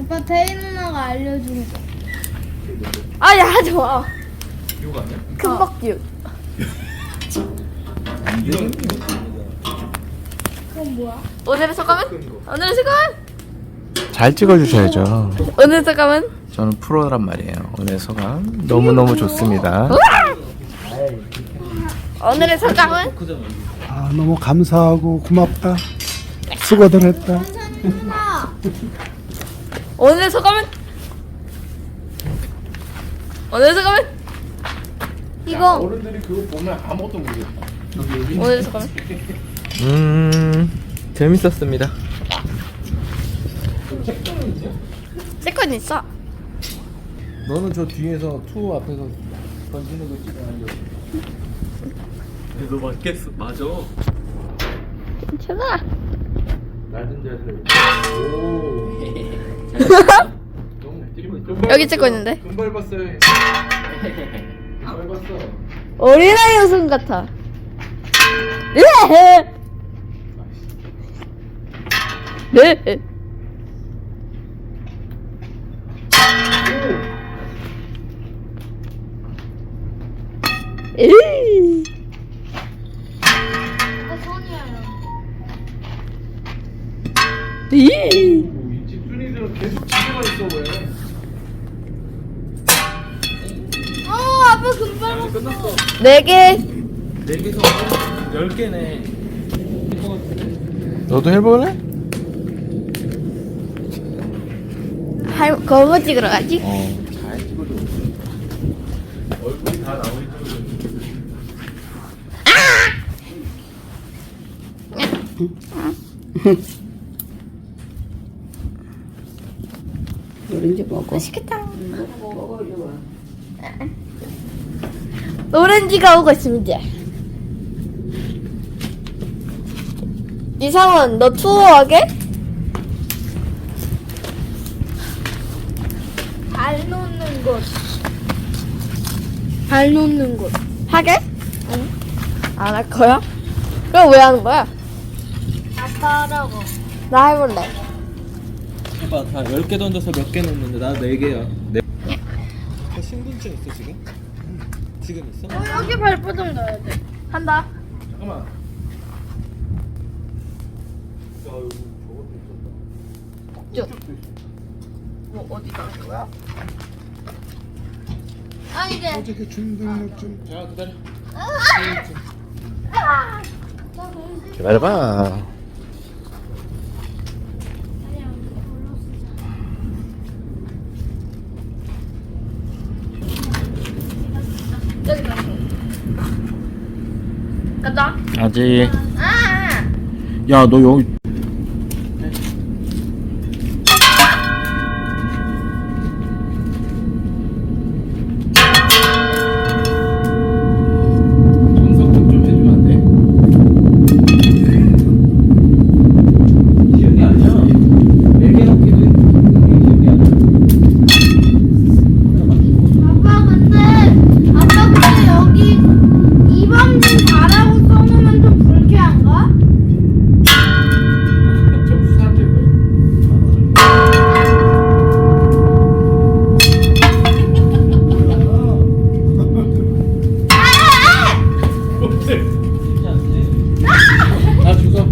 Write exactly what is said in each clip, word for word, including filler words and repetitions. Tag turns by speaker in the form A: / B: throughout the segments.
A: 아빠 태희 누나가 알려준 거.
B: 아야 하지 마.
C: 이거 아니야?
B: 금박기육.
C: 이거
A: 그건 뭐야?
B: 오늘의 소감은? 오늘의 소감은?
D: 잘 찍어주셔야죠.
B: 오늘의 소감은?
D: 저는 프로란 말이에요. 오늘 소감 너무너무 좋습니다.
B: 오늘의 소감은?
E: 아, 너무 감사하고 고맙다. 수고들 했다.
A: 누나.
B: 오늘의 소감은? 오늘의 소감은?
A: 이거
C: 어른들이 그거 보면 아무것도 모르겠다.
B: 오늘의 소감은?
D: 음 재밌었습니다.
B: 세컨 있어.
C: 너는 저 뒤에서 투 앞에서 던지는 거 찍어야죠. 너 맞겠어? 맞아.
B: 괜찮아.
C: 낮은 자세를. 오. 너무
B: 여기 찍고 있는데.
C: 금 밟았어요. 밟았어.
B: 어린아이 웃음 같아. 네. 네. 에이.
A: 이거 손이야.
B: 이.
C: 이 집순이들은 계속 집에만 있어 왜?
A: 어 아빠 금발
C: 아니 끝났어.
B: 네 개.
C: 네 개서 열 개네.
D: 너도 해볼래?
B: 할 그거 찍으러 가지.
D: 어.
C: 잘 찍어줘. 얼굴이 다 나오니 찍어줘.
B: 오렌지 먹어. 맛있겠다. 오렌지가 오고 있습니다. 이상원, 너 투어하게?
A: 발 놓는 곳. 발 놓는 곳.
B: 하게? 응. 안 할 거야? 그럼 왜 하는 거야?
A: 아빠라고.
B: 나 해볼래.
C: 해봐. 다 열 개 던져서 몇 개 넣는데 나 네 개야. 네. 너 신분증 있어 지금? 지금 있어?
A: 어, 여기 발바닥 넣어야 돼.
B: 한다.
C: 잠깐만. 야 이거 저것도 있었다.
B: 쭉. 뭐 어디다 하는 거야?
A: 아 이제.
E: 어저께 주민등록증
C: 자 기다려.
D: 기다려봐.
B: 여기다. 가자.
D: 아직.
B: 아.
D: 야 너 여기.
C: 정석좀 좀 해주면 안 돼? 기억이 아니야. 네 개 넣기도 했는데 기억이 안 나.
A: 아빠 근데 아빠 근데 여기 이범진 가라고 써놓으면 좀 불쾌한가?
C: 점수 사람들 거야. 나 주소.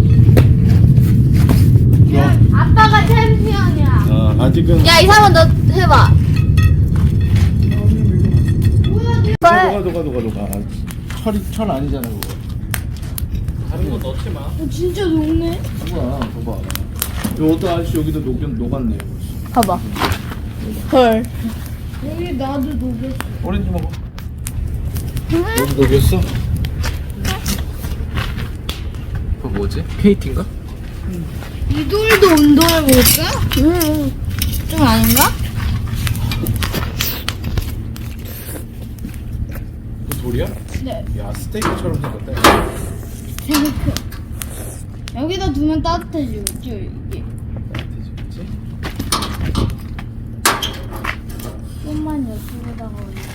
A: 아빠가 챔피언이야.
D: 어, 아직은.
B: 야 이상원 너 해봐.
A: 뭐야 내
C: 너가 너가 너가 너가. 철이 철 아니잖아 그거. 다른 거 넣지 마.
A: 어, 진짜 녹네.
C: 뭐야, 봐봐. 이 어떤 아저씨 여기도 녹 녹았네.
B: 봐봐. 헐.
A: 여기 나도 녹였어.
C: 오렌지 먹어. 너도 녹였어? 그거 뭐지? 케이티인가?
A: 이돌도 운동해볼까?
B: 음.
A: 좀 아닌가?
C: 그 돌이야?
A: 네.
C: 야 스테이크처럼 생겼다.
A: 재밌어. 여기다 두면 따뜻해지겠죠 이게.
C: 그치?
A: 좀만 여기다가 올려.